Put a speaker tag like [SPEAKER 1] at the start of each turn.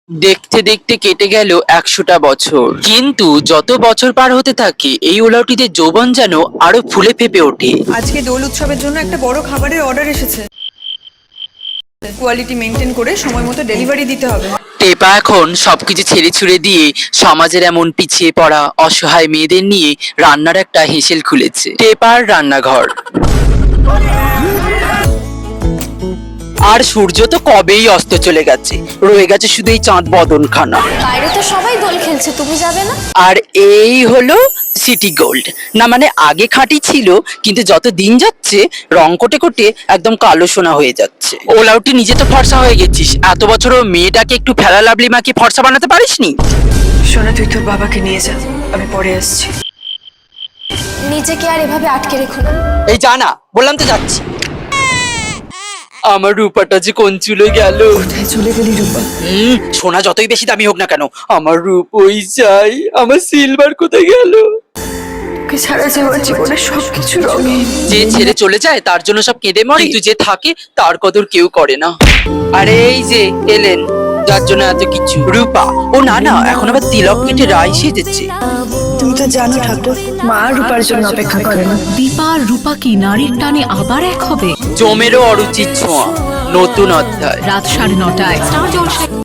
[SPEAKER 1] দেখতে দেখতে কেটে গেল ১০০টা বছর, কিন্তু যত বছর পার হতে থাকে এই ওলাউটিদের যৌবন যেন আরো ফুলে ফেপে ওঠে।
[SPEAKER 2] আজকে দোল উৎসবের জন্য একটা বড় খাবারের অর্ডার এসেছে। কোয়ালিটি মেনটেন করে সময় মতো ডেলিভারি দিতে হবে।
[SPEAKER 1] টেপা এখন সবকিছু ছেড়ে ছুড়ে দিয়ে সমাজের এমন পিছিয়ে পড়া অসহায় মেয়েদের নিয়ে রান্নার একটা হেসেল খুলেছে, টেপার রান্নাঘর। আর সূর্য তো কবেই অস্ত চলে গেছে, রয়ে গেছে শুধু এই চাঁদ বদনখানা।
[SPEAKER 3] বাইরে তো সবাই দোল খেলছে, তুমি যাবে না?
[SPEAKER 1] আর এই হলো সিটি গোল্ড। না মানে আগে খাঁটি ছিল, কিন্তু যত দিন যাচ্ছে রং কোটে কোটে একদম কালো সোনা হয়ে যাচ্ছে। ওলাউটি নিজে তো ফর্সা হয়ে গেছিস, এত বছরও মেয়েটাকে একটু ফেলা লাভলি মাকে ফর্সা বানাতে পারিসনি?
[SPEAKER 2] সোনা, তুই তোর বাবাকে নিয়ে যা, আমি পরে আসছি।
[SPEAKER 3] নিজেকে আর এভাবে আটকে রেখো না।
[SPEAKER 1] এই জানা, বললাম তো যাচ্ছি। আমার রূপাটা যে কোন চুলে গেল।
[SPEAKER 2] কোথায় চলে গেলি রূপা?
[SPEAKER 1] সোনা যতই বেশি দামি হোক না কেন, আমার রূপ ওই চাই। আমার সিলভার কোথায় গেল?
[SPEAKER 2] তোকে ছাড়া যে আমার জীবনের সবকিছু রঙিন।
[SPEAKER 1] যে ছেড়ে চলে যায় তার জন্য সব কেঁদে মরে, কিন্তু যে থাকে তার কদর কেউ করে না। আরে এই যে এলেন, যার জন্য এত কিছু। রূপা, ও না না, এখন আবার তিলক কেটে রাই সেজেছে।
[SPEAKER 2] তুমি তো জানো ঠাকুর, মা রূপার জন্য অপেক্ষা করে না।
[SPEAKER 4] দীপা আর রূপা কি নারীর টানে আবার এক হবে?
[SPEAKER 1] জমেরও অরুচির ছোঁয়া, নতুন অধ্যায়।
[SPEAKER 4] রাত 9:30টায় স্টার জলসায়।